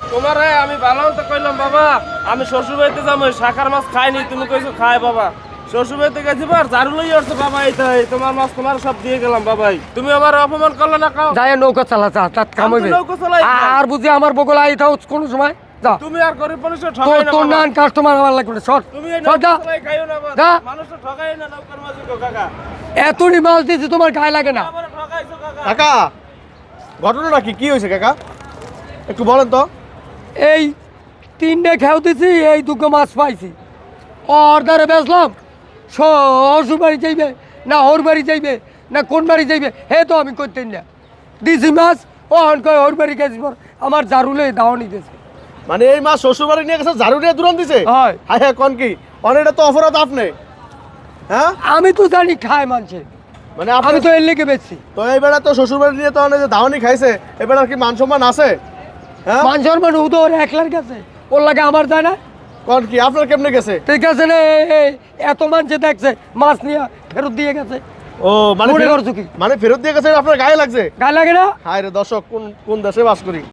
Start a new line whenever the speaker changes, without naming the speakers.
তোমার আমি ভালো তো কইলাম বাবা, আমি শ্বশুর বাড়িতে যাবো, শাখার মাছ খাইনি, তুমি কইছো খাই বাবা। শ্বশুর বাড়িতে গেছি বার ঝাড়ু লই আসছো বাবা, এইটাই তোমার মাছ তোমার সব দিয়ে গেলাম বাবাই। তুমি আমার অপমান করলে না কাও।
যায় নৌকা চালা চা তাত কাম হইবে।
নৌকা চালাই
আর বুঝি আমার বগল আই থাও কোন সময় যা।
তুমি আর গরিব মানুষের ঠকাই না
তোর
বাবা।
নান কাস্টমার আমার লাগবে না শর্ট।
তুমি এই নৌকা চালাই খাইও না বাবা।
যা।
মানুষের ঠকাই না নৌকার মাঝি গো কাকা।
এতনি মাছ দিছি তোমার গায়ে লাগে না।
আমারে ঠকাইছো কাকা।
কাকা ঘটনাটা কি হয়েছে কাকা একটু বলেন তো।
এই 3টে খেও দিছি, এই 2 মাছ পাইছি। অর্ধারে বেচলাম, শ্বশুর বাড়ি যাইবে না ওর বাড়ি যাইবে না কোন বাড়ি যাইবে হে তো আমি করতেন না। দিছি মাছ ও হন কয় ওর বাড়ি গেছি পর আমার জারুলে দাওয়ানি দিয়েছে।
মানে এই মাছ শ্বশুর বাড়ি নিয়ে গেছে ঝাড়ু নিয়ে দূরান দিছে।
হয়।
হ্যাঁ হ্যাঁ কোন কি অনেকটা তো অপরাধ আপনি। হ্যাঁ
আমি তো জানি খায় মানছে,
মানে
আমি
আপনি
তো এর লেগে বেচছি।
তো এই বেড়া তো শ্বশুর বাড়ি নিয়ে তো অনেক যে ধাওয়ানি খাইছে এবার আর কি মান সম্মান আছে? হ্যাঁ
মান সম্মান ও তো ওর একলার কাছে, ওর লাগে আমার যায় না।
কোন কি আপনার কেমনে গেছে?
ঠিক আছে না, এত মানছে দেখছে মাছ নিয়ে ফেরত দিয়ে গেছে।
ও মানে
মনে করছো কি?
মানে ফেরত দিয়ে গেছে আপনার গায়ে লাগছে?
গায়ে লাগে না?
হায় রে দর্শক কোন কোন দেশে বাস করি।